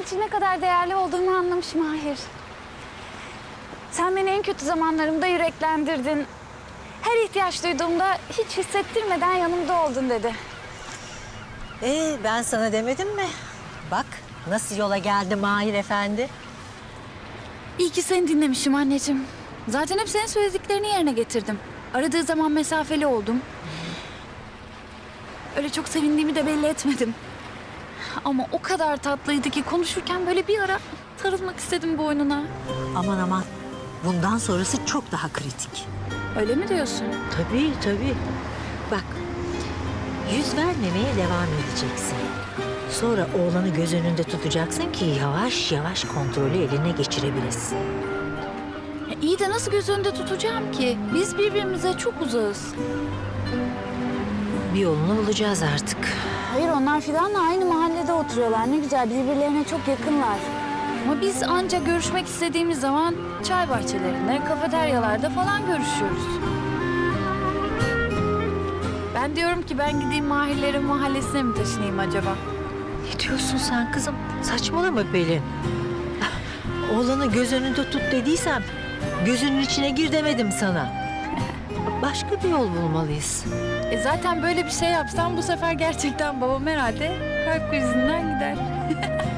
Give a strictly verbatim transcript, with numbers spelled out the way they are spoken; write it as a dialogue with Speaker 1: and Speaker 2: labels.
Speaker 1: için ne kadar değerli olduğumu anlamışım Mahir. Sen beni en kötü zamanlarımda yüreklendirdin. Her ihtiyaç duyduğumda hiç hissettirmeden yanımda oldun dedi.
Speaker 2: Ee, ben sana demedim mi? Bak nasıl yola geldi Mahir Efendi.
Speaker 1: İyi ki seni dinlemişim anneciğim. Zaten hep senin söylediklerini yerine getirdim. Aradığı zaman mesafeli oldum. Öyle çok sevindiğimi de belli etmedim. Ama o kadar tatlıydı ki konuşurken böyle bir ara sarılmak istedim boynuna.
Speaker 2: Aman aman, bundan sonrası çok daha kritik.
Speaker 1: Öyle mi diyorsun?
Speaker 2: Tabii tabii. Bak, yüz vermemeye devam edeceksin. Sonra oğlanı göz önünde tutacaksın ki yavaş yavaş kontrolü eline geçirebilesin.
Speaker 1: Ya iyi de nasıl göz önünde tutacağım ki? Biz birbirimize çok uzağız.
Speaker 2: Bir yolunu bulacağız artık.
Speaker 1: Hayır, onlar Fidan'la aynı mahallede oturuyorlar. Ne güzel, birbirlerine çok yakınlar. Ama biz ancak görüşmek istediğimiz zaman çay bahçelerinde, kafeteryalarda falan görüşüyoruz. Ben diyorum ki ben gideyim Mahirlerin mahallesine mi taşınayım acaba?
Speaker 2: Ne diyorsun sen kızım? Saçmalama Pelin. Oğlanı göz önünde tut dediysem gözünün içine gir demedim sana. Başka bir yol bulmalıyız.
Speaker 1: E zaten böyle bir şey yapsam bu sefer gerçekten babam herhalde kalp krizinden gider.